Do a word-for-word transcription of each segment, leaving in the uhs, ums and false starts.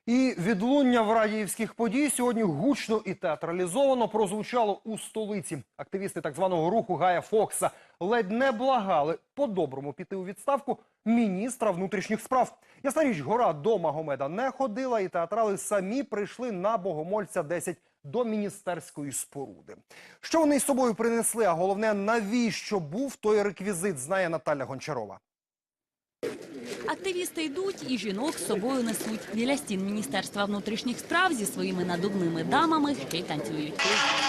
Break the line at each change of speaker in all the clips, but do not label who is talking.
І відлуння в радіївських подій сьогодні гучно і театралізовано прозвучало у столиці. Активісти так званого руху Гая Фокса ледь не благали по-доброму піти у відставку міністра внутрішніх справ. Ясна річ, гора до Магомеда не ходила, і театрали самі прийшли на Богомольця десять до міністерської споруди. Що вони із собою принесли, а головне, навіщо був той реквізит, знає Наталя Гончарова.
Активісти йдуть і жінок з собою несуть. Біля стін Міністерства внутрішніх справ зі своїми надувними дамами ще й танцюють.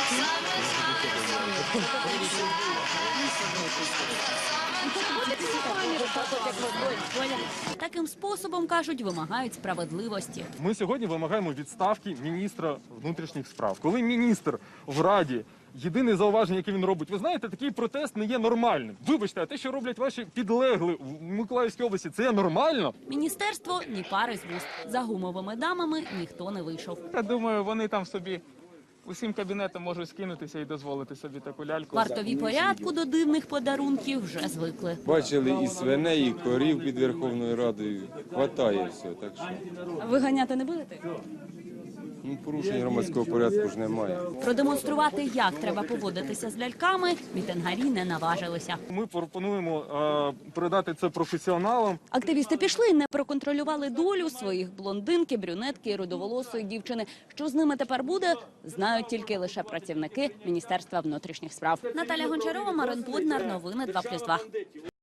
Таким способом, кажуть, вимагають справедливості.
Ми сьогодні вимагаємо відставки міністра внутрішніх справ. Коли міністр в Раді, єдине зауваження, яке він робить, ви знаєте, такий протест не є нормальним. Вибачте, а те, що роблять ваші підлегли в Миколаївській області, це є нормально?
Міністерство ні пари з вуст. За гумовими дамами ніхто не вийшов.
Я думаю, вони там собі усім кабінетом можуть скинутися і дозволити собі таку ляльку.
Вартові порядку до дивних подарунків вже звикли.
Бачили і свиней, і корів під Верховною Радою. Хватає все, так що
Виганяти не будете?
ну, порушень громадського порядку ж немає.
Продемонструвати, як треба поводитися з ляльками, мітингарі не наважилися.
Ми пропонуємо е, передати це професіоналам.
Активісти пішли і не проконтролювали долю своїх блондинки, брюнетки і рудоволосої дівчини. Що з ними тепер буде, знають тільки лише працівники Міністерства внутрішніх справ. Наталя Гончарова, Марин Поднар, новини два плюс два.